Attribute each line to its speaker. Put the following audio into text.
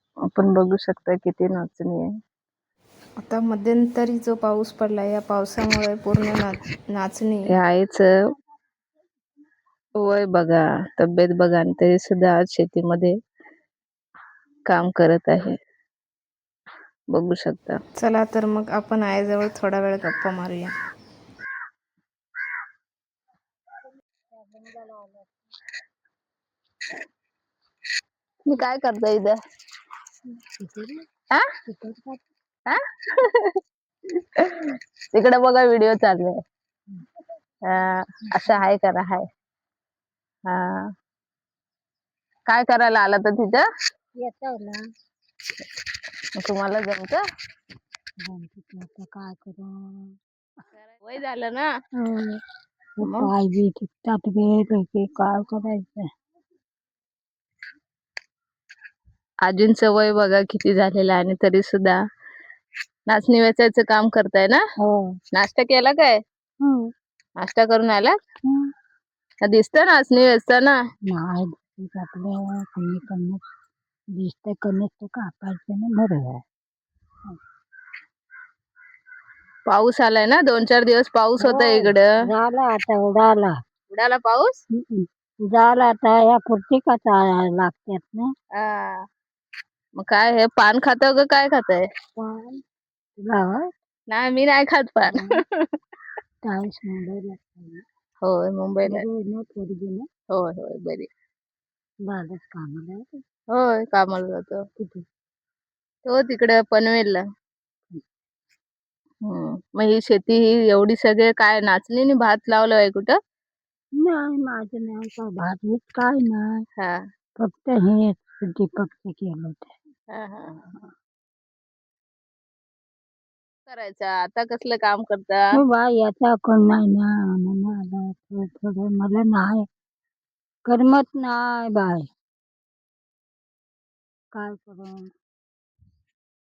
Speaker 1: आपण बघू शकता किती नाचणी आहे.
Speaker 2: आता मध्यंतरी जो पाऊस पडला, या पावसामुळे पूर्ण नाचणी
Speaker 1: हे आईचं वय बघा, तब्येत बघा, आणि तरी सुद्धा आज शेतीमध्ये काम करत आहे. बघू शकता.
Speaker 2: चला तर मग आपण आईजवळ थोडा वेळ गप्पा मारूया.
Speaker 1: मी काय करतो इथं? तिकडे बघा व्हिडिओ चालू आहे. असं हाय करा, हाय. हा, काय करायला आला तर तिथं येतो ना? तुम्हाला जमत? काय करू, वय झालं ना. पाय बी दुखतात, काय करायचं. आजींचं वय बघा किती झालेलं आहे, आणि तरी सुद्धा नाचणी वेचायचं काम करताय ना. नाश्ता केला काय? नाश्ता करून आला? दिसत नाचणी वेचताना? नाही, कमी कमी दिसत, कमी कापायचं ना. बरोबर. पाऊस आलाय ना, 2-4 दिवस पाऊस होता इकडं. झाला आता, उडाला पाऊस. झाला आता, या पुरती का लागतात ना. मग काय हे पान खात का काय खाताय? पान नाही, मी नाही खात पान. होय, मुंबईला. होय होय, बरी. होय, कामाला जातो. तो तिकडे पनवेलला. मग ही शेती ही एवढी सगळे काय नाचणी आणि भात लावलं आहे कुठं? नाही, माझं नाही का भात बीत काय नाही. फक्त हे दीपकचं केलं होतं. करायचं आता कसलं काम करता? बाय, याचा कोण नाही ना, थोडं मला नाही करमत नाही बाय. काय करू?